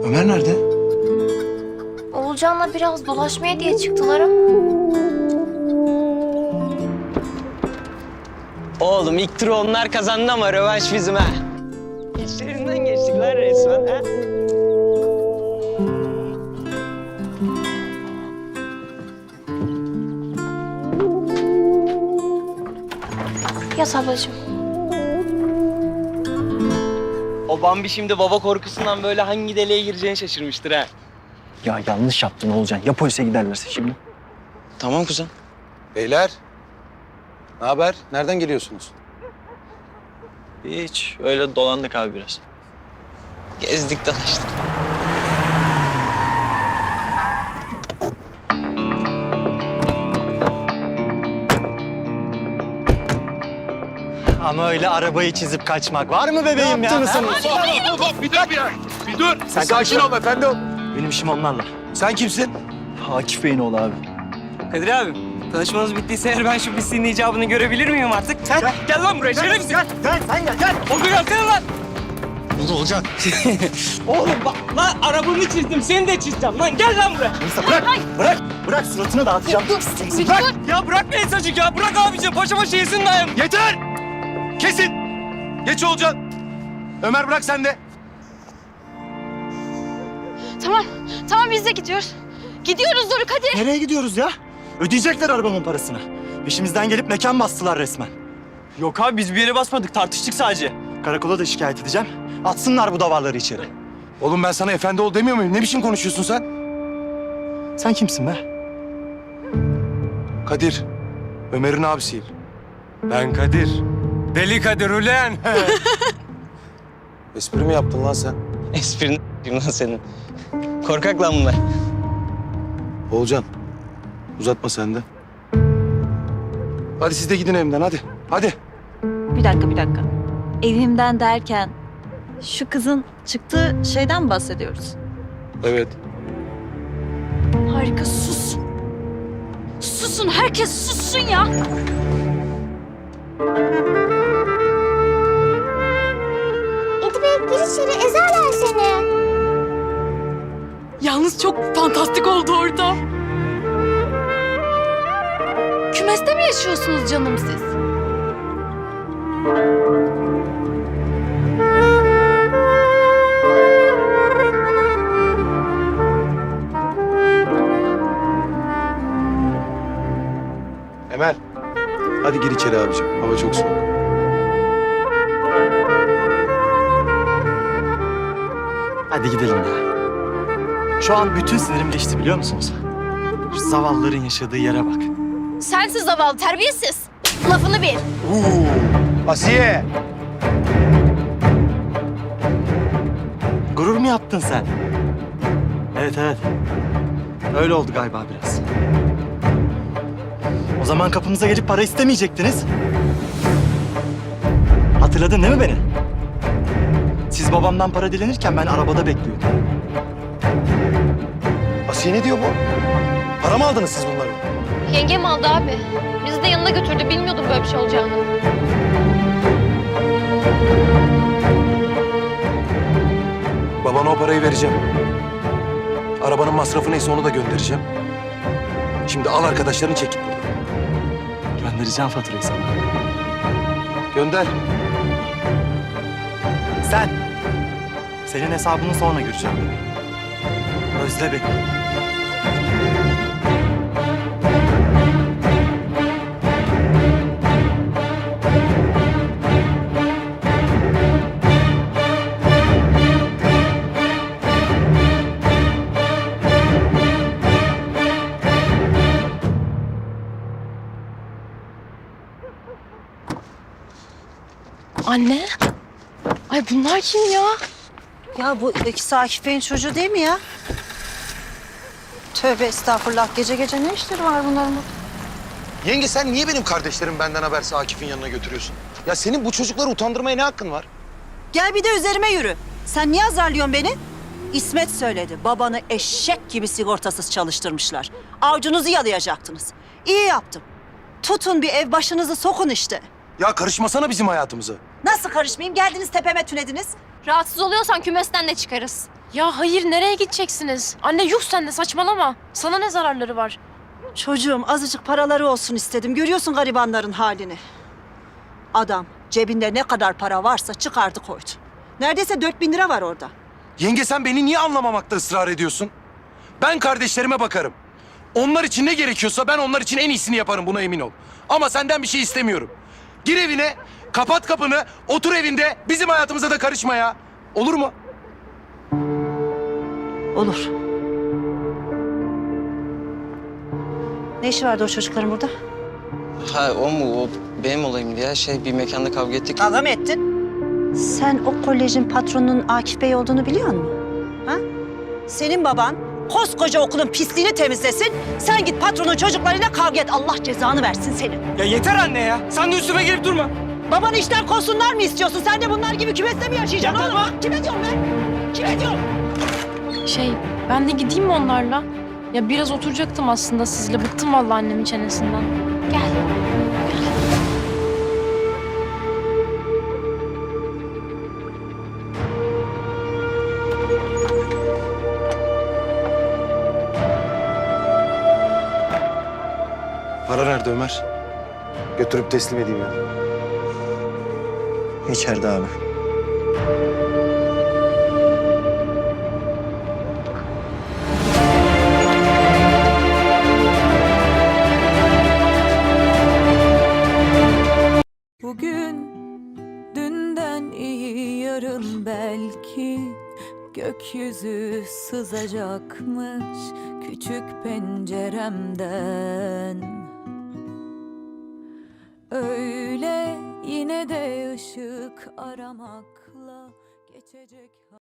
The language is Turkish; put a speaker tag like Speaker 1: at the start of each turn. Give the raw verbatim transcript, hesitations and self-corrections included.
Speaker 1: Ömer nerede?
Speaker 2: Oğulcan'la biraz dolaşmaya diye çıktılar ama.
Speaker 3: Oğlum ilk turu onlar kazandı ama rövanş bizim ha. İçlerinden geçtik lan resmen ha.
Speaker 2: Yat ablacığım.
Speaker 3: O Bambi şimdi baba korkusundan böyle hangi deliğe gireceğini şaşırmıştır ha.
Speaker 1: Ya yanlış yaptın Oğulcan. Ya polise giderlerse şimdi?
Speaker 3: Tamam kuzen.
Speaker 4: Beyler, ne haber? Nereden geliyorsunuz?
Speaker 1: Hiç. Öyle dolandık abi biraz.
Speaker 3: Gezdik dolaştık.
Speaker 5: Ama öyle arabayı çizip kaçmak var mı bebeğim ya?
Speaker 4: Yaptınız
Speaker 5: Ha?
Speaker 4: Hop, hop, bir dur bir ya. Bir dur.
Speaker 5: Sen
Speaker 4: Sakin ol efendim.
Speaker 5: Benim işim onlarla.
Speaker 4: Sen kimsin?
Speaker 1: Akif Bey'in oğlu abi.
Speaker 3: Kadir abi, tanışmanız bittiyse eğer ben şu pisliğin icabını görebilir miyim artık? Sen gel, gel lan buraya, şerefsiz.
Speaker 5: Gel, gel, sen gel, gel.
Speaker 3: Oldu gelsene lan.
Speaker 4: Ne olacak?
Speaker 3: Oğlum bak lan arabamı çizdim, seni de çizeceğim lan. Gel lan buraya.
Speaker 5: Neyse bırak, bırak, bırak suratını dağıtacağım.
Speaker 3: Bırak. Ya bırak beni sacık ya, bırak abicim. Paşa paşa yesin dayım.
Speaker 4: Yeter! Kesin! Geç Olcan. Ömer bırak sen de.
Speaker 2: Tamam, tamam biz de gidiyoruz. Gidiyoruz Doruk hadi.
Speaker 5: Nereye gidiyoruz ya? Ödeyecekler arabamın parasını. Peşimizden gelip mekan bastılar resmen.
Speaker 1: Yok abi biz bir yere basmadık. Tartıştık sadece.
Speaker 5: Karakola da şikayet edeceğim. Atsınlar bu davarları içeri.
Speaker 4: Oğlum ben sana efendi ol demiyor muyum? Ne biçim konuşuyorsun sen?
Speaker 5: Sen kimsin be?
Speaker 4: Kadir. Ömer'in abisiyim. Ben Kadir. Deli Kadir ulen. Espri mi yaptın lan sen?
Speaker 3: Esprini lan senin. Korkak lan bunlar.
Speaker 4: Olcan. Uzatma sen de. Hadi siz de gidin evimden hadi. Hadi.
Speaker 6: Bir dakika, bir dakika. Evimden derken şu kızın çıktığı şeyden mi bahsediyoruz?
Speaker 4: Evet.
Speaker 2: Harika sus. Susun herkes sussun ya.
Speaker 7: Edi Bey gir içeri ezerler seni.
Speaker 2: Yalnız çok fantastik oldu orada. Kümeste mi yaşıyorsunuz canım siz?
Speaker 4: Emel. Hadi gir içeri abicim. Hava çok soğuk.
Speaker 5: Hadi gidelim ya. Şu an bütün sinirim geçti biliyor musunuz? Şu zavallıların yaşadığı yere bak.
Speaker 2: Sensiz zavallı terbiyesiz. Lafını bil.
Speaker 4: Asiye.
Speaker 5: Gurur mu yaptın sen? Evet, evet. Öyle oldu galiba biraz. O zaman kapımıza gelip para istemeyecektiniz. Hatırladın değil mi beni? Siz babamdan para dilenirken ben arabada bekliyordum.
Speaker 4: Asiye ne diyor bu? Para mı aldınız siz bunları?
Speaker 2: Yengem aldı abi. Bizi de yanına götürdü. Bilmiyordum böyle bir şey olacağını.
Speaker 4: Babana o parayı vereceğim. Arabanın masrafı neyse onu da göndereceğim. Şimdi al arkadaşlarını çekip buradan.
Speaker 5: Göndereceğim faturayı sana.
Speaker 4: Gönder.
Speaker 5: Sen. Senin hesabını sonra göreceğim. Özle beni.
Speaker 2: Anne. Ay bunlar kim ya?
Speaker 8: Ya bu ikisi Akif Bey'in çocuğu değil mi ya? Tövbe estağfurullah. Gece gece ne işleri var bunların?
Speaker 4: Yenge sen niye benim kardeşlerim benden habersiz Akif'in yanına götürüyorsun? Ya senin bu çocukları utandırmaya ne hakkın var?
Speaker 8: Gel bir de üzerime yürü. Sen niye azarlıyorsun beni? İsmet söyledi. Babanı eşek gibi sigortasız çalıştırmışlar. Avcunuzu yalayacaktınız. İyi yaptım. Tutun bir ev başınızı sokun işte.
Speaker 4: Ya karışmasana bizim hayatımıza.
Speaker 8: Nasıl karışmayayım? Geldiniz tepeme tünediniz.
Speaker 2: Rahatsız oluyorsan kümesten de çıkarız. Ya hayır, nereye gideceksiniz? Anne yuh sen de saçmalama. Sana ne zararları var?
Speaker 8: Çocuğum azıcık paraları olsun istedim. Görüyorsun garibanların halini. Adam cebinde ne kadar para varsa çıkardı koydu. Neredeyse dört bin lira var orada.
Speaker 4: Yenge sen beni niye anlamamakta ısrar ediyorsun? Ben kardeşlerime bakarım. Onlar için ne gerekiyorsa ben onlar için en iyisini yaparım, buna emin ol. Ama senden bir şey istemiyorum. Gir evine, kapat kapını, otur evinde, bizim hayatımıza da karışma ya. Olur mu?
Speaker 8: Olur. Ne işi vardı o çocukların burada?
Speaker 3: Ha o mu? O benim olayım diye şey bir mekanda kavga ettik.
Speaker 8: Kavga mı ettin? Sen o kolejin patronunun Akif Bey olduğunu biliyor musun? Ha? Senin baban koskoca okulun pisliğini temizlesin. Sen git patronun çocuklarıyla kavga et. Allah cezanı versin senin.
Speaker 3: Ya yeter anne ya. Sen de üstüme gelip durma.
Speaker 8: Babanı işten kovsunlar mı istiyorsun? Sen de bunlar gibi kümeste mi yaşayacaksın oğlum? Ha? Kime diyorum ben? Kime diyorum?
Speaker 2: Şey, ben de gideyim mi onlarla? Ya biraz oturacaktım aslında sizle. Bıktım vallahi annemin çenesinden. Gel.
Speaker 4: Para nerede Ömer? Götürüp teslim edeyim ya.
Speaker 1: İçeride abi.
Speaker 9: Bugün dünden iyi yarın belki gökyüzü sızacakmış küçük penceremden. Öyle yine de ışık aramakla geçecek.